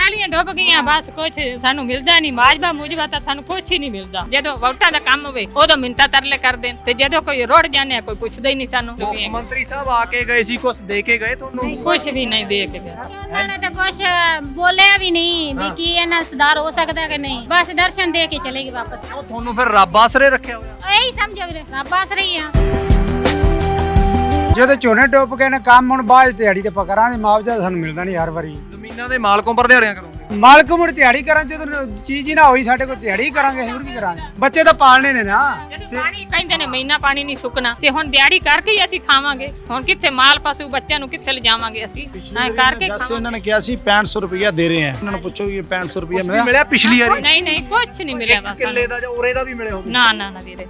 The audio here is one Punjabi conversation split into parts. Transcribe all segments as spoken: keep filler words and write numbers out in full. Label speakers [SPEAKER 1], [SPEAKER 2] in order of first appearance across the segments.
[SPEAKER 1] ਪਹਿਲੀਆਂ ਡੁੱਬ ਗਈਆਂ ਬਸ ਕੁਝ ਸਾਨੂੰ ਮਿਲਦਾ ਨਹੀਂ ਮਾਜਬਾ ਮੁਜਬਾ ਤਾਂ ਸਾਨੂੰ ਕੁਝ ਹੀ ਨਹੀਂ ਮਿਲਦਾ ਜਦੋਂ ਵੋਟਾਂ ਦਾ ਕੰਮ ਹੋਵੇ ਉਦੋਂ ਮਿੰਤਾ ਤਰਲੇ ਕਰਦੇ ਤੇ ਜਦੋਂ ਕੋਈ ਰੋੜ ਜਾਂਦੇ ਕੋਈ ਪੁੱਛਦਾ ਹੀ ਨਹੀਂ ਸਾਨੂੰ
[SPEAKER 2] ਮੁੱਖ ਮੰਤਰੀ ਸਾਹਿਬ ਆ ਕੇ ਗਏ ਸੀ ਕੁਝ ਦੇ ਕੇ ਗਏ ਤੁਹਾਨੂੰ
[SPEAKER 1] ਕੁਝ ਵੀ ਨਹੀਂ ਦੇ ਕੇ ਗਏ
[SPEAKER 3] ਉਹਨਾਂ ਨੇ ਤਾਂ ਕੁਝ ਬੋਲਿਆ ਵੀ ਨਹੀਂ ਵੀ ਕੀ ਇਹਨਾਂ ਸੁਧਾਰ ਹੋ ਸਕਦਾ ਕਿ ਨਹੀਂ ਬਸ ਦਰਸ਼ਨ ਦੇ ਕੇ ਚਲੇਗੀ ਵਾਪਸ
[SPEAKER 2] ਤੁਹਾਨੂੰ ਫਿਰ ਰੱਬ ਆਸਰੇ ਰੱਖਿਆ ਹੋਇਆ
[SPEAKER 3] ਇਹੀ ਸਮਝੋ ਵੀਰੇ ਰੱਬ ਆਸਰੇ ਹੀ ਆ
[SPEAKER 4] ਜਦੋਂ ਝੋਨੇ ਡੁੱਬ ਗਏ ਨੇ ਕੰਮ ਹੁਣ ਬਾਅਦ ਦਿਹਾੜੀ ਤੇ ਪਕਰਾਂ ਦੇ ਮੁਆਵਜ਼ਾ ਸਾਨੂੰ ਮਿਲਦਾ ਨਹੀਂ ਹਰ ਵਾਰੀ
[SPEAKER 2] ਜ਼ਮੀਨਾਂ ਦੇ ਮਾਲਕੋਂ ਪਰ ਦਿਹਾੜੀਆਂ ਕਰੋਗੇ
[SPEAKER 4] ਮਾਲਕ ਮੁੜ ਦਿਹਾੜੀ ਕਰਾਂ ਜਦੋਂ ਚੀਜ਼ ਹੀ ਨਾ ਹੋਈ ਸਾਡੇ ਕੋਲ ਦਿਹਾੜੀ ਕਰਾਂਗੇ ਹੋਰ ਕੀ ਕਰਾਂਗੇ ਬੱਚੇ ਤਾਂ ਪਾਲਣੇ ਨੇ ਨਾ
[SPEAKER 1] ਜਦੋਂ ਪਾਣੀ ਕਹਿੰਦੇ ਨੇ ਮਹੀਨਾ ਪਾਣੀ ਨਹੀਂ ਸੁੱਕਣਾ ਤੇ ਹੁਣ ਦਿਹਾੜੀ ਕਰਕੇ ਹੀ ਅਸੀਂ ਖਾਵਾਂਗੇ ਹੁਣ ਕਿੱਥੇ ਮਾਲ ਪਸ਼ੂ ਬੱਚਿਆਂ ਨੂੰ ਕਿੱਥੇ ਲਿਜਾਵਾਂਗੇ ਅਸੀਂ ਐ ਕਰਕੇ
[SPEAKER 5] ਜੈਸੇ ਇਹਨਾਂ ਨੇ ਕਿਹਾ ਸੀ ਪੈਂਹਠ ਸੌ ਰੁਪਇਆ ਦੇ ਰਹੇ ਆ ਇਹਨਾਂ ਨੂੰ ਪੁੱਛੋ ਕਿ ਪੈਂਹਠ ਸੌ ਰੁਪਇਆ ਮਿਲਿਆ
[SPEAKER 2] ਮਿਲਿਆ ਪਿਛਲੀ ਵਾਰੀ
[SPEAKER 1] ਨਹੀਂ ਨਹੀਂ ਕੁਝ ਨਹੀਂ ਮਿਲਿਆ ਬਸ
[SPEAKER 2] ਕਿੱਲੇ ਦਾ ਜਾਂ ਉਰੇ ਦਾ ਵੀ ਮਿਲੇ ਹੋਵੇ
[SPEAKER 1] ਨਾ ਨਾ ਨਾ ਵੀਰੇ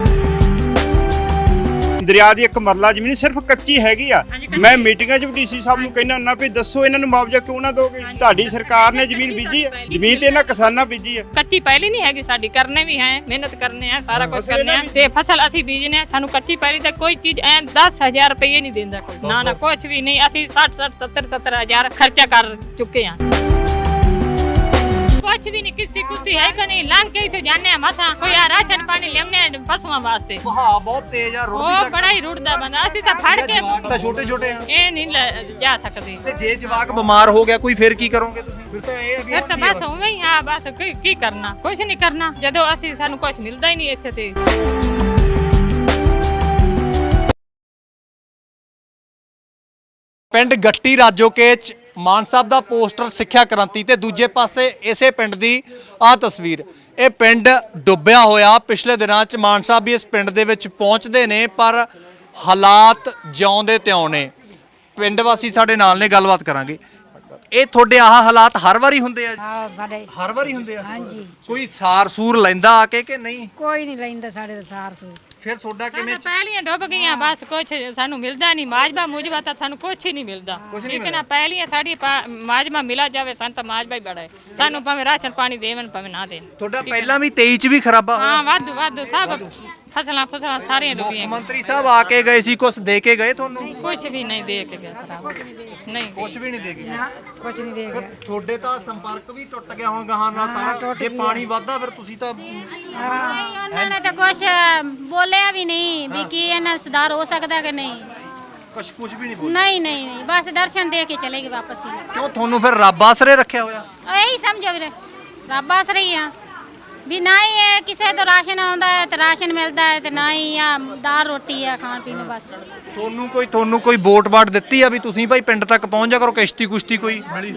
[SPEAKER 6] ਦਰਿਆ ਦੀ ਇੱਕ ਮਰਲਾ ਜ਼ਮੀਨ ਸਿਰਫ ਕੱਚੀ ਹੈਗੀ ਆ ਮੈਂ ਮੀਟਿੰਗਾਂ 'ਚ ਵੀ ਡੀਸੀ ਸਾਹਿਬ ਨੂੰ ਕਹਿੰਦਾ ਹੁੰਦਾ ਵੀ ਦੱਸੋ ਇਹਨਾਂ ਨੂੰ ਮੁਆਵਜ਼ਾ ਕਿਉਂ ਨਾ ਦੋਗੇ ਤੁਹਾਡੀ ਸਰਕਾਰ ਨੇ ਜ਼ਮੀਨ ਬੀਜੀ ਹੈ ਜ਼ਮੀਨ ਤੇ ਇਹਨਾਂ ਕਿਸਾਨਾਂ ਬੀਜੀ ਹੈ
[SPEAKER 1] ਕੱਚੀ ਪਹਿਲੀ ਨਹੀਂ ਹੈਗੀ ਸਾਡੀ ਕਰਨੇ ਵੀ ਹੈ ਮਿਹਨਤ ਕਰਨੇ ਆ ਸਾਰਾ ਕੁਝ ਕਰਨੇ ਆ ਤੇ ਫਸਲ ਅਸੀਂ ਬੀਜਨੇ ਆ ਸਾਨੂੰ ਕੱਚੀ ਪਹਿਲੀ ਤੇ ਕੋਈ ਚੀਜ਼ ਐ ਦਸ ਹਜ਼ਾਰ ਰੁਪਏ ਨਹੀਂ ਦਿੰਦਾ ਕੋਈ ਨਾ ਨਾ ਕੁਝ ਵੀ ਨਹੀਂ ਅਸੀਂ ਸੱਠ ਸੱਠ ਸੱਤਰ ਸੱਤਰ ਹਜ਼ਾਰ ਖਰਚਾ ਕਰ ਚੁੱਕੇ ਆ ਕੁਛ ਵੀ ਨਹੀਂ ਕਿਸਤੀ ਕੁਸਤੀ ਹੈ ਕਿ ਨਹੀਂ ਲੰਘ ਕੇ ਇੱਥੇ ਜਾਣੇ ਆ ਮਸਾਂ ਕੋਈ ਆ ਰਾਸ਼ਨ ਪਾਣੀ ਲੈਣੇ ਪਸ਼ੂਆਂ ਵਾਸਤੇ
[SPEAKER 2] ਵਹਾਅ ਬਹੁਤ ਤੇਜ਼ ਆ ਰੁੜ
[SPEAKER 1] ਉਹ ਬੜਾ ਹੀ ਰੁੜਦਾ ਬੰਦਾ ਅਸੀਂ ਤਾਂ ਫੜ ਕੇ
[SPEAKER 2] ਤਾਂ ਛੋਟੇ ਛੋਟੇ ਆ
[SPEAKER 1] ਇਹ ਨਹੀਂ ਲੈ- ਜਾ ਸਕਦੇ
[SPEAKER 2] ਤੇ ਜੇ ਜਵਾਕ ਬਿਮਾਰ ਹੋ ਗਿਆ ਕੋਈ ਫਿਰ ਕੀ ਕਰੋਗੇ ਤੁਸੀਂ ਫਿਰ ਤਾਂ ਇਹ
[SPEAKER 1] ਫਿਰ ਤਾਂ ਬਸ ਉਵੇਂ ਹੀ ਆ ਬਸ ਕੀ ਕੀ ਕਰਨਾ ਕੁਝ ਨਹੀਂ ਕਰਨਾ ਜਦੋਂ ਅਸੀਂ ਸਾਨੂੰ ਕੁਝ ਮਿਲਦਾ ਹੀ ਨਹੀਂ ਇੱਥੇ ਤੇ
[SPEAKER 2] ਪਿੰਡ ਗੱਟੀ ਰਾਜੋਕੇ ਚ ਮਾਨ ਸਾਹਿਬ ਦਾ ਪੋਸਟਰ ਸਿੱਖਿਆ ਕ੍ਰਾਂਤੀ ਤੇ ਦੂਜੇ ਪਾਸੇ ਇਸੇ ਪਿੰਡ ਦੀ ਆਹ ਤਸਵੀਰ ਇਹ ਪਿੰਡ ਡੁੱਬਿਆ ਹੋਇਆ ਪਿਛਲੇ ਦਿਨਾਂ ਚ ਮਾਨ ਸਾਹਿਬ ਵੀ ਇਸ ਪਿੰਡ ਦੇ ਵਿੱਚ ਪਹੁੰਚਦੇ ਨੇ ਪਰ ਹਾਲਾਤ ਜਿਉਂਦੇ ਤਿਉਂ ਨੇ ਪਿੰਡ ਵਾਸੀ ਸਾਡੇ ਨਾਲ ਨੇ ਗੱਲਬਾਤ ਕਰਾਂਗੇ ਇਹ ਤੁਹਾਡੇ ਆਹ ਹਾਲਾਤ ਹਰ ਵਾਰੀ ਹੁੰਦੇ ਆ
[SPEAKER 7] ਹਾਂ ਸਾਡੇ
[SPEAKER 2] ਹਰ ਵਾਰੀ ਹੁੰਦੇ ਆ
[SPEAKER 7] ਹਾਂਜੀ
[SPEAKER 2] ਕੋਈ ਸਾਰ ਸੂਰ ਲੈਂਦਾ ਆ ਕੇ ਕਿ ਨਹੀਂ
[SPEAKER 7] ਕੋਈ ਨਹੀਂ ਲੈਂਦਾ ਸਾਡੇ ਦਾ ਸਾਰ ਸੂ
[SPEAKER 2] ਫਿਰ ਤੁਹਾਡਾ ਕਿਵੇਂ
[SPEAKER 1] ਪਹਿਲੀਆਂ ਡੁੱਬ ਗਈਆਂ ਬਸ ਕੁਝ ਸਾਨੂੰ ਮਿਲਦਾ ਨਹੀਂ ਮਾਜਬਾ ਮੁਜਬਾ ਤਾਂ ਸਾਨੂੰ ਕੁਝ ਹੀ ਨਹੀਂ ਮਿਲਦਾ ਠੀਕ ਹੈ ਨਾ ਪਹਿਲੀਆਂ ਸਾਡੀ ਮਾਜਬਾ ਮਿਲਾ ਜਾਵੇ ਸਾਨੂੰ ਤਾਂ ਮਾਜਬਾ ਹੀ ਬੜਾ ਹੈ ਸਾਨੂੰ ਭਾਵੇਂ ਰਾਸ਼ਨ ਪਾਣੀ ਦੇਵਣ ਭਾਵੇਂ ਨਾ ਦੇਣ
[SPEAKER 2] ਤੁਹਾਡਾ ਪਹਿਲਾਂ ਵੀ ਤੇਈ ਚ ਵੀ ਖਰਾਬਾ ਹੋਇਆ
[SPEAKER 1] ਹਾਂ ਵਾਧੂ ਵਾਧੂ ਸਭ ਫਸਲਾਂ ਫਸਲਾਂ ਸਾਰੀਆਂ ਡੁੱਬੀਆਂ
[SPEAKER 2] ਮੰਤਰੀ ਸਾਹਿਬ ਆ ਕੇ ਗਏ ਸੀ ਕੁਝ ਦੇ ਕੇ ਗਏ ਤੁਹਾਨੂੰ
[SPEAKER 1] ਕੁਝ ਵੀ ਨਹੀਂ ਦੇ ਕੇ ਗਿਆ ਖਰਾਬ ਨਹੀਂ
[SPEAKER 2] ਕੁਝ ਵੀ ਨਹੀਂ ਦੇ ਕੇ ਗਏ
[SPEAKER 7] ਨਾ ਕੁਝ ਨਹੀਂ ਦੇ ਗਿਆ
[SPEAKER 2] ਤੁਹਾਡੇ ਤਾਂ ਸੰਪਰਕ ਵੀ ਟੁੱਟ ਗਿਆ ਹੁਣ ਗਾਹਾਂ ਨਾਲ ਸਾਰਾ ਜੇ ਪਾਣੀ ਵੱਧਦਾ ਫਿਰ ਤੁਸੀਂ ਤਾਂ
[SPEAKER 3] ਉਹਨਾਂ ਨੇ ਤਾਂ ਕੁਝ ਬੋਲਿਆ ਵੀ ਨਹੀਂ ਵੀ ਕੀ ਇਹਨਾਂ ਸੁਧਾਰ ਹੋ ਸਕਦਾ ਕਿ ਨਹੀਂ
[SPEAKER 2] ਕੁਝ ਕੁਝ ਵੀ ਨਹੀਂ ਬੋਲ
[SPEAKER 3] ਨਹੀਂ ਨਹੀਂ ਨਹੀਂ ਬਸ ਦਰਸ਼ਨ ਦੇ ਕੇ ਚਲੇਗੀ ਵਾਪਸ ਹੀ
[SPEAKER 2] ਕਿਉਂ ਤੁਹਾਨੂੰ ਫਿਰ ਰੱਬ ਆਸਰੇ ਰੱਖਿਆ ਹੋਇਆ
[SPEAKER 3] ਇਹੀ ਸਮਝੋ ਵੀਰੇ ਰੱਬ ਆਸਰੇ ਹੀ ਆ ਵੀ ਨਾ ਹੀ ਇਹ ਕਿਸੇ ਤੋਂ ਰਾਸ਼ਨ ਆਉਂਦਾ ਹੈ ਤੇ ਰਾਸ਼ਨ ਮਿਲਦਾ ਹੈ ਤੇ ਨਾ ਹੀ ਆ ਦਾਲ ਰੋਟੀ ਆ ਖਾਣ ਪੀਣ ਨੂੰ ਬਸ
[SPEAKER 2] ਤੁਹਾਨੂੰ ਕੋਈ ਤੁਹਾਨੂੰ ਕੋਈ ਵੋਟ ਵਾਟ ਦਿੱਤੀ ਆ ਵੀ ਤੁਸੀਂ ਭਾਈ ਪਿੰਡ ਤੱਕ ਪਹੁੰਚ ਜਾ ਕਰੋ ਕਿਸ਼ਤੀ ਕੁਸ਼ਤੀ ਕੋਈ ਮਿਲੀ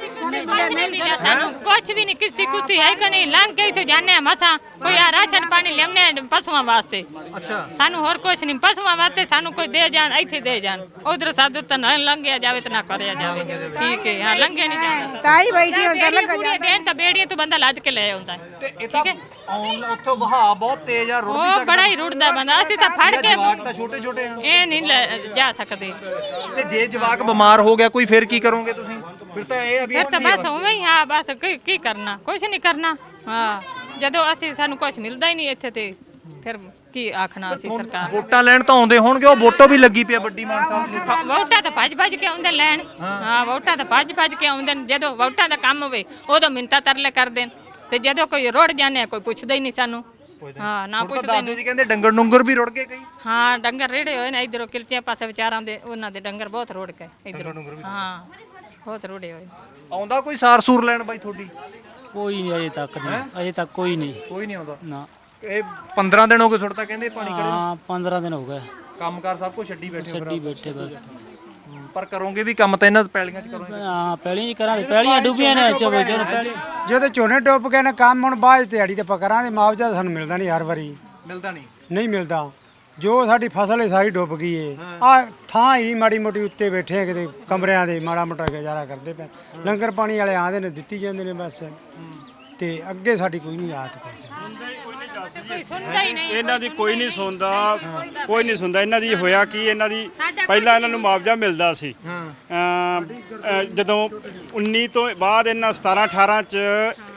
[SPEAKER 1] ਸਾਨੂੰ ਕੁਝ ਵੀ ਨਹੀਂ ਕਿਸਤੀ ਕੁਸਤੀ ਹੈ ਕਿ ਨਹੀਂ ਲੰਘ ਕੇ ਇੱਥੇ ਜਾਣੇ ਆ ਮਸਾਂ ਕੋਈ ਆ ਰਾਸ਼ਨ ਪਾਣੀ ਲੈਣੇ ਪਸ਼ੂਆਂ ਵਾਸਤੇ
[SPEAKER 2] ਅੱਛਾ
[SPEAKER 1] ਸਾਨੂੰ ਹੋਰ ਕੁਝ ਨਹੀਂ ਪਸ਼ੂਆਂ ਵਾਸਤੇ ਸਾਨੂੰ ਕੋਈ ਦੇ ਜਾਣ ਇੱਥੇ ਦੇ ਜਾਣ ਉਧਰ ਸਾਧੂ ਤਾਂ ਨਾ ਲੰਘਿਆ ਜਾਵੇ ਤੇ ਨਾ ਕਰਿਆ ਜਾਵੇ ਠੀਕ ਹੈ ਹਾਂ ਲੰਘੇ ਨਹੀਂ ਜਾਂਦਾ
[SPEAKER 7] ਤਾਈ ਬੈਠੀ ਹੁਣ ਚੱਲ
[SPEAKER 1] ਪੂਰੇ ਦਿਨ ਤਾਂ ਬੇੜੀਆਂ ਤੋਂ ਬੰਦਾ ਲੱਦ ਕੇ ਲੈ ਆਉਂਦਾ ਹੈ
[SPEAKER 2] ਤੇ ਇਹ ਤਾਂ ਆਉਣ ਉੱਥੋਂ ਵਹਾਅ ਬਹੁਤ ਤੇਜ਼ ਆ ਰੁੜ ਵੀ
[SPEAKER 1] ਉਹ ਬੜਾ ਹੀ ਰੁੜਦਾ ਬੰਦਾ ਅਸੀਂ ਤਾਂ ਫੜ ਕੇ
[SPEAKER 2] ਜਵਾਕ ਤਾਂ ਛੋਟੇ ਛੋਟੇ ਆ
[SPEAKER 1] ਇਹ ਨਹੀਂ ਲੈ- ਜਾ ਸਕਦੇ
[SPEAKER 2] ਤੇ ਜੇ ਜਵਾਕ ਬਿਮਾਰ ਹੋ ਗਿਆ ਕੋਈ ਫਿਰ ਕੀ ਕਰੋਗੇ ਤੁਸੀਂ ਫਿਰ ਤਾਂ ਇਹ ਆ ਵੀ
[SPEAKER 1] ਫਿਰ ਤਾਂ ਬਸ ਉਵੇਂ ਹੀ ਆ ਬਸ ਕੀ ਕੀ ਕਰਨਾ ਕੁਝ ਨਹੀਂ ਕਰਨਾ ਹਾਂ ਜਦੋਂ ਅਸੀਂ ਸਾਨੂੰ ਕੁਝ ਮਿਲਦਾ ਹੀ ਨਹੀਂ ਇੱਥੇ ਤੇ ਫਿਰ ਕੀ ਆਖਣਾ ਅਸੀਂ ਸਰਕਾਰ ਨੂੰ।
[SPEAKER 2] ਵੋਟਾਂ ਲੈਣ ਤਾਂ ਆਉਂਦੇ ਹੋਣਗੇ ਉਹ ਵੋਟੋ ਵੀ ਲੱਗੀ ਪਿਆ ਵੱਡੀ ਮਾਨ ਸਾਹਿਬ ਦੀ
[SPEAKER 1] ਵ- ਵੋਟਾਂ ਤਾਂ ਭੱਜ ਭੱਜ ਕੇ ਆਉਂਦੇ ਲੈਣ ਹਾਂ ਵੋਟਾਂ ਤਾਂ ਭੱਜ ਭੱਜ ਕੇ ਆਉਂਦੇ ਨੇ ਜਦੋਂ ਵੋਟਾਂ ਦਾ ਕੰਮ ਹੋਵੇ ਉਦੋਂ ਮਿੰਤਾ ਤਰਲੇ ਕਰਦੇ ਨੇ ਤੇ ਜਦੋਂ ਕੋਈ ਰੋੜ ਜਾਂਦੇ ਕੋਈ ਪੁੱਛਦਾ ਹੀ ਨਹੀਂ ਸਾਨੂੰ ਹਾਂ ਨਾ ਪੁੱਛਦੇ
[SPEAKER 2] ਦਾਦੂ
[SPEAKER 1] ਨਹੀਂ
[SPEAKER 2] ਜੀ ਕਹਿੰਦੇ ਡੰਗਰ ਡੁੰਗਰ ਵੀ ਰੁੜ ਗਏ ਕਈ
[SPEAKER 1] ਹਾਂ ਡੰਗਰ ਰੇੜੇ ਹੋਏ ਨੇ ਇਧਰੋਂ ਕਿਲਚਿਆਂ ਪਾਸੇ ਵਿਚਾਰਾਂ ਦੇ ਉਹਨਾਂ ਦੇ ਡੰਗਰ ਬਹੁਤ ਰੋੜ ਗਏ ਇਧਰੋਂ ਹਾਂ ਬਹੁਤ ਰੋੜੇ ਹੋਏ
[SPEAKER 2] ਆਉਂਦਾ ਕੋਈ ਸਾਰ ਸੂਰ ਲੈਣ ਬਾਈ ਤੁਹਾਡੀ
[SPEAKER 8] ਕੋਈ ਨਹੀਂ ਅਜੇ ਤੱਕ ਨਹੀਂ ਅਜੇ ਤੱਕ ਕੋਈ ਨਹੀਂ
[SPEAKER 2] ਕੋਈ ਨਹੀਂ ਆਉਂਦਾ
[SPEAKER 8] ਨਾ
[SPEAKER 2] ਇਹ ਪੰਦਰਾਂ ਦਿਨ ਹੋ ਗਏ ਸੁੱਟਦਾ ਕਹਿੰਦੇ ਪਾਣੀ ਕਰੋ
[SPEAKER 8] ਹਾਂ ਪੰਦਰਾਂ ਦਿਨ ਹੋ ਗਏ
[SPEAKER 2] ਕੰਮਕਾਰ ਸਭ ਕੁਝ ਛੱਡੀ ਬੈਠੇ ਹੋ
[SPEAKER 8] ਛੱਡੀ ਬੈਠੇ ਬਸ
[SPEAKER 2] ਪਰ ਕਰੋਗੇ ਵੀ ਕੰਮ ਤਾਂ ਇਹਨਾਂ ਪੈਲੀਆਂ 'ਚ ਕਰੋਗੇ
[SPEAKER 8] ਹਾਂ ਪਹਿਲੀਆਂ ਹੀ ਕਰਾਂਗੇ ਪਹਿਲੀਆਂ ਡੁੱਬੀਆਂ ਨੇ ਚਲੋ ਚਲੋ ਪਹਿਲੀ
[SPEAKER 4] ਜਦੋਂ ਝੋਨੇ ਡੁੱਬ ਗਏ ਨੇ ਕੰਮ ਹੁਣ ਬਾਅਦ ਦਿਹਾੜੀ ਤੇ ਪਕਰਾਂ ਦੇ ਮੁਆਵਜ਼ਾ ਸਾਨੂੰ ਮਿਲਦਾ ਨਹੀਂ ਹਰ ਵਾਰੀ
[SPEAKER 2] ਮਿਲਦਾ ਨਹੀਂ
[SPEAKER 4] ਨਹੀਂ ਮਿਲਦਾ ਜੋ ਸਾਡੀ ਫਸਲ ਹੈ ਸਾਰੀ ਡੁੱਬ ਗਈ ਏ ਆ ਥਾਂ ਹੀ ਮਾੜੀ ਮੋਟੀ ਉੱਤੇ ਬੈਠੇ ਆ ਕਿਤੇ ਕਮਰਿਆਂ ਦੇ ਮਾੜਾ ਮੋਟਾ ਗੁਜ਼ਾਰਾ ਕਰਦੇ ਪਏ ਲੰਗਰ ਪਾਣੀ ਵਾਲੇ ਆਂਦੇ ਨੇ ਦਿੱਤੀ ਜਾਂਦੇ ਨੇ ਬਸ ਤੇ ਅੱਗੇ ਸਾਡੀ ਕੋਈ ਨਹੀਂ ਰਾਤ ਪਈ
[SPEAKER 1] ਕੋਈ ਸੁਣਦਾ ਹੀ ਨਹੀਂ
[SPEAKER 6] ਇਹਨਾਂ ਦੀ ਕੋਈ ਨਹੀਂ ਸੁਣਦਾ ਕੋਈ ਨਹੀਂ ਸੁਣਦਾ ਇਹਨਾਂ ਦੀ ਹੋਇਆ ਕੀ ਇਹਨਾਂ ਦੀ ਪਹਿਲਾਂ ਇਹਨਾਂ ਨੂੰ ਮੁਆਵਜ਼ਾ ਮਿਲਦਾ ਸੀ ਅਮ, ਅ, ਜਦੋਂ ਉੱਨੀ ਤੋਂ ਬਾਅਦ ਇਹਨਾਂ ਸਤਾਰਾਂ ਅਠਾਰਾਂ ਚ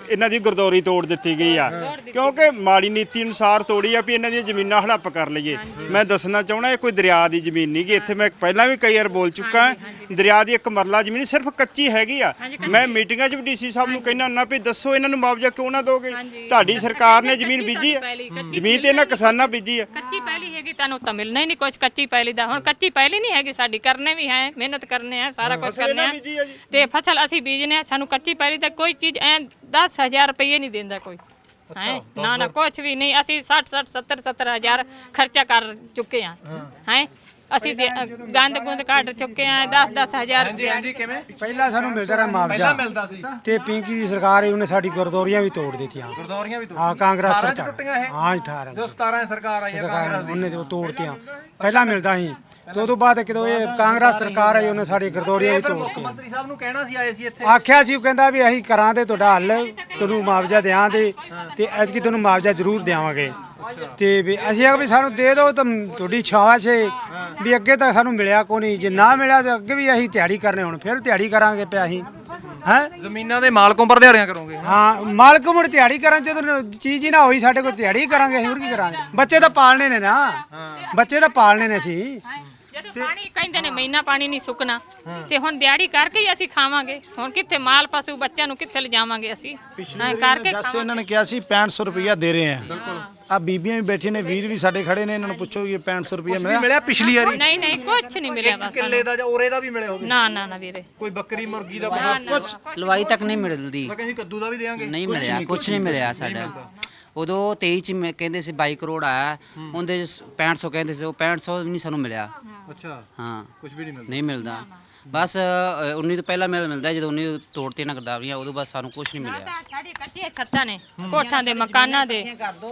[SPEAKER 6] ਇਹਨਾਂ ਦੀ ਗਰਦੌਰੀ ਤੋੜ ਦਿੱਤੀ ਗਈ ਆ ਕਿਉਂਕਿ ਮਾੜੀ ਨੀਤੀ ਅਨੁਸਾਰ ਤੋੜੀ ਆ ਵੀ ਇਹਨਾਂ ਦੀਆਂ ਜ਼ਮੀਨਾਂ ਹੜੱਪ ਕਰ ਲਈਏ। ਮੈਂ ਦੱਸਣਾ ਚਾਹਣਾ ਇਹ ਕੋਈ ਦਰਿਆ ਦੀ ਜ਼ਮੀਨ ਨਹੀਂ ਗੀ। ਇੱਥੇ ਮੈਂ ਪਹਿਲਾਂ ਵੀ ਕਈ ਵਾਰ ਬੋਲ ਚੁੱਕਾ ਦਰਿਆ ਦੀ ਇੱਕ ਮਰਲਾ ਜ਼ਮੀਨ ਸਿਰਫ ਕੱਚੀ ਹੈਗੀ ਆ। ਮੈਂ ਮੀਟਿੰਗਾਂ 'ਚ ਵੀ ਡੀਸੀ ਸਾਹਿਬ ਨੂੰ ਕਹਿੰਦਾ ਹੁੰਦਾ ਵੀ ਦੱਸੋ ਇਹਨਾਂ ਨੂੰ ਮੁਆਵਜ਼ਾ ਕਿਉਂ ਨਾ ਦੋਗੇ? ਤੁਹਾਡੀ ਸਰਕਾਰ ਨੇ ਜ਼ਮੀਨ ਬੀਜੀ ਆ, ਜ਼ਮੀਨ ਤੇ ਇਹਨਾਂ ਕਿਸਾਨਾਂ ਬੀਜੀ ਆ।
[SPEAKER 1] ਕੱਚੀ ਪਹਿਲੀ ਹੈਗੀ ਤੁਹਾਨੂੰ ਤਾਂ ਮਿਲਣਾ ਹੀ ਨਹੀਂ ਕੁਝ ਕੱਚੀ ਪਹਿਲੀ ਦਾ। ਹੁਣ ਕੱਚੀ ਪਹਿਲੀ ਨਹੀਂ ਹੈਗੀ ਸਾਡੀ, ਕਰਨੇ ਵੀ ਹੈ, ਮਿਹਨਤ ਕਰਨੇ ਆ, ਸਾਰਾ ਕੁਝ ਕਰਨੇ ਆ ਤੇ ਫਸਲ ਅਸੀਂ ਬੀਜਨੇ ਆ। ਸਾਨੂੰ ਕੱਚੀ ਪਹਿਲੀ ਤਾਂ ਕੋਈ ਚੀਜ਼ ਐ ਦਸ ਹਜ਼ਾਰ ਰੁਪਏ ਨਹੀਂ ਦਿੰਦਾ ਕੋਈ ਹੈ ਨਾ ਨਾ ਕੁਝ ਵੀ ਨਹੀਂ। ਅਸੀਂ ਸੱਠ ਸੱਠ ਸੱਤਰ ਸੱਤਰ ਹਜ਼ਾਰ ਖਰਚਾ ਕਰ ਚੁੱਕੇ ਆ ਹੈ। ਅਸੀਂ ਦੇ- ਗੰਦ ਗੁੰਦ ਕੱਢ ਚੁੱਕੇ ਆ ਦਸ ਦਸ ਹਜ਼ਾਰ ਰੁਪਏ।
[SPEAKER 2] ਹਾਂਜੀ ਕਿਵੇਂ
[SPEAKER 4] ਪਹਿਲਾਂ ਸਾਨੂੰ ਮਿਲਦਾ ਰਿਹਾ ਮੁਆਵਜ਼ਾ
[SPEAKER 2] ਮਿਲਦਾ ਸੀ
[SPEAKER 4] ਤੇ ਪਿੰਕੀ ਦੀ ਸਰਕਾਰ ਹੈ ਉਹਨੇ ਸਾਡੀ ਗਰਦੌਰੀਆਂ ਵੀ ਤੋੜ ਦਿੱਤੀਆਂ।
[SPEAKER 2] ਗੁਰਦੌਰੀਆਂ ਵੀ
[SPEAKER 4] ਹਾਂ ਕਾਂਗਰਸ
[SPEAKER 2] ਅਠਾਰਾਂ 'ਚ
[SPEAKER 4] ਸਰਕਾਰ
[SPEAKER 2] ਟੁੱਟੀਆਂ ਇਹ?
[SPEAKER 4] ਹਾਂ ਅਠਾਰਾਂ
[SPEAKER 2] ਜੋ ਸਤਾਰਾਂ ਸਰਕਾਰ ਆਈ ਹੈ
[SPEAKER 4] ਸਰਕਾਰ ਨੇ ਉਹਨੇ ਤੇ ਉਹ ਤੋੜਤੀਆਂ। ਪਹਿਲਾਂ ਮਿਲਦਾ ਸੀ ਤੇ ਉਦੋਂ ਬਾਅਦ ਕਿਦੋਂ ਇਹ ਕਾਂਗਰਸ ਸਰਕਾਰ ਆਈ ਉਹਨੇ ਸਾਡੀ ਗਰਦੌਰੀਆਂ ਵੀ ਤੋੜਤੀਆਂ।
[SPEAKER 2] ਮੰਤਰੀ ਸਾਹਿਬ ਨੂੰ ਕਹਿਣਾ ਸੀ ਆਏ ਸੀ ਇੱਥੇ
[SPEAKER 4] ਆਖਿਆ ਸੀ ਉਹ ਕਹਿੰਦਾ ਵੀ ਅਸੀਂ ਕਰਾਂ ਤੇ ਤੁਹਾਡਾ ਹੱਲ ਤੁਹਾਨੂੰ ਮੁਆਵਜ਼ਾ ਦਿਆਂ ਦੇ ਤੇ ਐਤਕੀ ਤੁਹਾਨੂੰ ਮੁਆਵਜ਼ਾ ਜ਼ਰੂਰ ਦੇਵਾਂਗੇ। ਤੇ ਵੀ ਅਸੀਂ ਆਖ ਵੀ ਸਾਨੂੰ ਦੇ ਦਿਓ ਤਾਂ ਤੁਹਾਡੀ ਛਾਵਾਸ਼ ਹੈ ਵੀ ਅੱਗੇ ਤਾਂ ਸਾਨੂੰ ਮਿਲਿਆ ਕੋਈ ਨਹੀਂ। ਜੇ ਨਾ ਮਿਲਿਆ ਤਾਂ ਅੱਗੇ ਵੀ ਅਸੀਂ ਦਿਹਾੜੀ ਕਰਨੇ ਹੁਣ ਫਿਰ ਦਿਹਾੜੀ ਕਰਾਂਗੇ ਪਿਆ ਅਸੀਂ ਹੈ।
[SPEAKER 2] ਜ਼ਮੀਨਾਂ ਦੇ ਮਾਲਕੋਂ ਪਰ ਦਿਹਾੜੀਆਂ ਕਰੋਗੇ?
[SPEAKER 4] ਹਾਂ ਮਾਲਕ ਮੁੜ ਦਿਹਾੜੀ ਕਰਾਂ ਜਦੋਂ ਚੀਜ਼ ਹੀ ਨਾ ਹੋਈ ਸਾਡੇ ਕੋਲ ਦਿਹਾੜੀ ਕਰਾਂਗੇ ਅਸੀਂ ਹੋਰ ਕੀ ਕਰਾਂਗੇ? ਬੱਚੇ ਤਾਂ ਪਾਲਣੇ ਨੇ ਨਾ, ਬੱਚੇ ਤਾਂ ਪਾਲਣੇ ਨੇ ਅਸੀਂ।
[SPEAKER 1] ਜਦੋਂ ਪਾਣੀ ਕਹਿੰਦੇ ਨੇ ਮਹੀਨਾ ਪਾਣੀ ਨਹੀਂ ਸੁੱਕਣਾ ਤੇ ਹੁਣ ਦਿਹਾੜੀ ਕਰਕੇ ਹੀ ਅਸੀਂ ਖਾਵਾਂਗੇ। ਹੁਣ ਕਿੱਥੇ ਮਾਲ ਪਸ਼ੂ ਬੱਚਿਆਂ ਨੂੰ ਕਿੱਥੇ ਲਿਜਾਵਾਂਗੇ ਅਸੀਂ? ਹਾਂ, ਕਰਕੇ
[SPEAKER 5] ਜੈਸੇ ਇਹਨਾਂ ਨੇ ਕਿਹਾ ਸੀ ਪੈਂਹਠ ਸੌ ਰੁਪਇਆ ਦੇ ਰਹੇ ਆ। ਬਿਲਕੁਲ ਆ ਬੀਬੀਆਂ ਵੀ ਬੈਠੀਆਂ ਨੇ, ਵੀਰ ਵੀ ਸਾਡੇ ਖੜੇ ਨੇ, ਇਹਨਾਂ ਨੂੰ ਪੁੱਛੋ ਇਹ ਪੈਂਹਠ ਸੌ ਰੁਪਇਆ ਮਿਲਿਆ?
[SPEAKER 2] ਮਿਲਿਆ ਪਿਛਲੀ ਵਾਰੀ
[SPEAKER 1] ਨਹੀਂ ਨਹੀਂ ਕੁਝ ਨਹੀਂ ਮਿਲਿਆ ਬਸ
[SPEAKER 2] ਕਿੱਲੇ ਦਾ ਜਾਂ ਔਰੇ ਦਾ ਵੀ ਮਿਲੇ ਹੋਵੇ?
[SPEAKER 1] ਨਾ ਨਾ ਨਾ ਵੀਰੇ
[SPEAKER 2] ਕੋਈ ਬੱਕਰੀ ਮੁਰਗੀ ਦਾ ਕੁਝ?
[SPEAKER 9] ਲਵਾਈ ਤੱਕ ਨਹੀਂ ਮਿਲਦੀ।
[SPEAKER 2] ਮੈਂ ਕਹਿੰਦੀ ਕੱਦੂ ਦਾ ਵੀ ਦੇਾਂਗੇ?
[SPEAKER 9] ਨਹੀਂ ਮਿਲਿਆ, ਕੁਝ ਨਹੀਂ ਮਿਲਿਆ ਸਾਡਾ। ਉਦੋਂ ਤੇਈ ਚ ਮੈਂ ਕਹਿੰਦੇ ਸੀ ਬਾਈ ਕਰੋੜ ਆਇਆ, ਉਹਦੇ ਪੈਂਹਠ ਸੌ ਕਹਿੰਦੇ ਸੀ, ਉਹ ਪੈਂਹਠ ਸੌ ਵੀ ਨਹੀਂ ਸਾਨੂੰ ਮਿਲਿਆ।
[SPEAKER 2] ਅੱਛਾ
[SPEAKER 9] ਹਾਂ
[SPEAKER 2] ਕੁਝ ਵੀ ਨਹੀਂ ਮਿਲਦਾ?
[SPEAKER 9] ਨਹੀਂ ਮਿਲਦਾ। ਬਸ ਅ, ਉੱਨੀ ਤੋਂ ਪਹਿਲਾਂ ਮਿਲ ਮਿਲਦਾ, ਜਦੋਂ ਉੱਨੀ ਤੋੜਤੇ ਨਾ ਗਰਦਾਵਰੀਆਂ ਉਦੋਂ ਬਸ ਸਾਨੂੰ ਕੁਝ ਨਹੀਂ ਮਿਲਿਆ।
[SPEAKER 1] ਸਾਡੀ ਕੱਚੀਆਂ ਛੱਤਾਂ ਨੇ ਕੋਠਾਂ ਦੇ ਮਕਾਨਾਂ ਦੇ,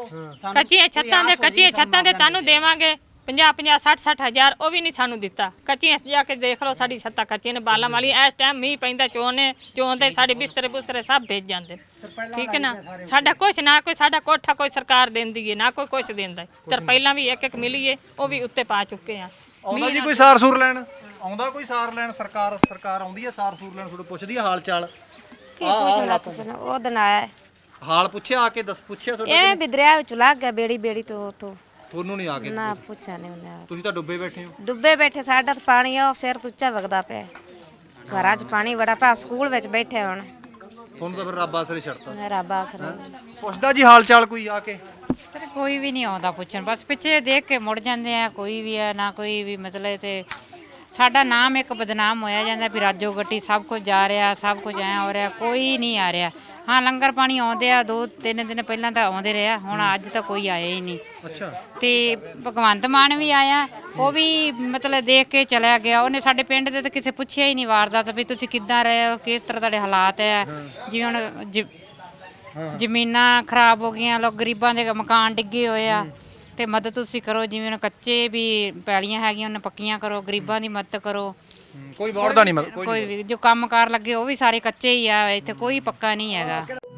[SPEAKER 1] ਕੱਚੀਆਂ ਛੱਤਾਂ ਦੇ ਕੱਚੀਆਂ ਛੱਤਾਂ ਦੇ ਤੁਹਾਨੂੰ ਦੇਵਾਂਗੇ ਪੰਜਾਹ ਪੰਜਾਹ ਸੱਠ ਸੱਠ ਹਜ਼ਾਰ, ਉਹ ਵੀ ਨਹੀਂ ਸਾਨੂੰ ਦਿੱਤਾ। ਕੱਚੀਆਂ ਜਾ ਕੇ ਦੇਖ ਲਓ ਸਾਡੀ ਛੱਤਾਂ ਕੱਚੀਆਂ ਨੇ ਬਾਲਾਂ ਵਾਲੀਆਂ। ਇਸ ਟਾਈਮ ਮੀਂਹ ਪੈਂਦਾ ਚੋਣੇ ਚੋਂਦੇ ਸਾਡੇ ਬਿਸਤਰੇ ਬੁਸਤਰੇ ਸਭ ਭੇਜ ਜਾਂਦੇ। ਠੀਕ ਹੈ ਨਾ, ਸਾਡਾ ਕੁਛ ਨਾ ਕੋਈ ਸਾਡਾ ਕੋਠਾ ਕੋਈ ਸਰਕਾਰ ਦਿੰਦੀ ਹੈ ਨਾ ਕੋਈ ਕੁਛ ਦਿੰਦਾ। ਤੇ ਪਹਿਲਾਂ ਵੀ ਇੱਕ ਇੱਕ ਮਿਲੀ ਏ ਉਹ ਵੀ ਉੱਤੇ ਪਾ ਚੁੱਕੇ ਆ।
[SPEAKER 2] ਆਉਂਦਾ ਜੀ ਕੋਈ ਸਾਰ ਸੂਰ ਲੈਣ? ਆਉਂਦਾ ਕੋਈ ਸਾਰ ਲੈਣ? ਸਰਕਾਰ ਸਰਕਾਰ ਆਉਂਦੀ ਹੈ ਸਾਰ ਸੂਰ ਲੈਣ? ਤੁਹਾਨੂੰ ਪੁੱਛਦੀ ਹੈ ਹਾਲ ਚਾਲ?
[SPEAKER 7] ਕੀ ਪੁੱਛਣਾ ਕਿਸੇ ਨੇ? ਉਹ ਦਿਨ ਆਇਆ
[SPEAKER 2] ਹਾਲ ਪੁੱਛਿਆ ਆ ਕੇ? ਦੱਸ ਪੁੱਛਿਆ ਤੁਹਾਡੇ?
[SPEAKER 7] ਐਵੇਂ ਵੀ ਦਰਿਆ ਵਿੱਚ ਲੱਗ ਗਿਆ ਬੇੜੀ ਬੇੜੀ ਤੋਂ ਉਤੋਂ।
[SPEAKER 2] ਤੁਹਾਨੂੰ ਨਹੀਂ ਆ ਕੇ?
[SPEAKER 7] ਨਾ ਪੁੱਛਿਆ ਨਹੀਂ ਉਹਨੇ।
[SPEAKER 2] ਤੁਸੀਂ ਤਾਂ ਡੁੱਬੇ ਬੈਠੇ ਹੋ।
[SPEAKER 7] ਡੁੱਬੇ ਬੈਠੇ, ਸਾਡਾ ਤਾਂ ਪਾਣੀ ਆ ਉਹ ਸਿਰ ਤੋਂ ਉੱਚਾ ਵਗਦਾ ਪਿਆ। ਘਰਾਂ 'ਚ ਪਾਣੀ ਬੜਾ ਪਿਆ, ਸਕੂਲ ਵਿੱਚ ਬੈਠੇ ਹੁਣ।
[SPEAKER 2] ਤੁਹਾਨੂੰ ਤਾਂ ਫਿਰ ਰੱਬ ਆਸਰੇ ਛੱਡਤਾ।
[SPEAKER 7] ਮੇਰਾ ਬਾਸ
[SPEAKER 2] ਪੁੱਛਦਾ ਜੀ ਹਾਲ ਚਾਲ ਕੋਈ ਆ ਕੇ?
[SPEAKER 10] ਸਰ ਕੋਈ ਵੀ ਨਹੀਂ ਆਉਂਦਾ ਪੁੱਛਣ, ਬਸ ਪਿੱਛੇ ਦੇਖ ਕੇ ਮੁੜ ਜਾਂਦੇ ਆ। ਕੋਈ ਵੀ ਆ ਨਾ ਕੋਈ ਵੀ ਮਤਲਬ ਤੇ ਸਾਡਾ ਨਾਮ ਇੱਕ ਬਦਨਾਮ ਹੋਇਆ ਜਾਂਦਾ ਵੀ ਰਾਜੋ ਗੱਟੀ ਸਭ ਕੁਝ ਜਾ ਰਿਹਾ, ਸਭ ਕੁਝ ਐ ਹੋ ਰਿਹਾ, ਕੋਈ ਨਹੀਂ ਆ ਰਿਹਾ। ਹਾਂ ਲੰਗਰ ਪਾਣੀ ਆਉਂਦੇ ਆ, ਦੋ ਤਿੰਨ ਦਿਨ ਪਹਿਲਾਂ ਤਾਂ ਆਉਂਦੇ ਰਿਹਾ, ਹੁਣ ਅੱਜ ਤਾਂ ਕੋਈ ਆਇਆ ਹੀ ਨਹੀਂ।
[SPEAKER 2] ਅੱਛਾ।
[SPEAKER 10] ਤੇ ਭਗਵੰਤ ਮਾਨ ਵੀ ਆਇਆ, ਉਹ ਵੀ ਮਤਲਬ ਦੇਖ ਕੇ ਚਲਾ ਗਿਆ। ਉਹਨੇ ਸਾਡੇ ਪਿੰਡ ਦੇ ਤਾਂ ਕਿਸੇ ਪੁੱਛਿਆ ਹੀ ਨਹੀਂ ਵਾਰਦਾਤ ਵੀ ਤੁਸੀਂ ਕਿੱਦਾਂ ਰਹੇ ਹੋ, ਕਿਸ ਤਰ੍ਹਾਂ ਤੁਹਾਡੇ ਹਾਲਾਤ ਹੈ। ਜਿਵੇਂ ਹੁਣ ਜ- ਜ਼ਮੀਨਾਂ ਖਰਾਬ ਹੋ ਗਈਆਂ, ਲੋਕ ਗਰੀਬਾਂ ਦੇ ਮਕਾਨ ਡਿੱਗੇ ਹੋਏ ਆ ਤੇ ਮਦਦ ਤੁਸੀਂ ਕਰੋ। ਜਿਵੇਂ ਹੁਣ ਕੱਚੇ ਵੀ ਪੈਲੀਆਂ ਹੈਗੀਆਂ ਉਹਨਾਂ ਪੱਕੀਆਂ ਕਰੋ, ਗਰੀਬਾਂ ਦੀ ਮਦਦ ਕਰੋ।
[SPEAKER 2] ਕੋਈ ਵੋਟ ਦਾ ਨਹੀਂ?
[SPEAKER 10] ਕੋਈ ਵੀ ਜੋ ਕੰਮ ਕਾਰ ਲੱਗੇ ਉਹ ਵੀ ਸਾਰੇ ਕੱਚੇ ਹੀ ਆ, ਇੱਥੇ ਕੋਈ ਪੱਕਾ ਨਹੀਂ ਹੈਗਾ।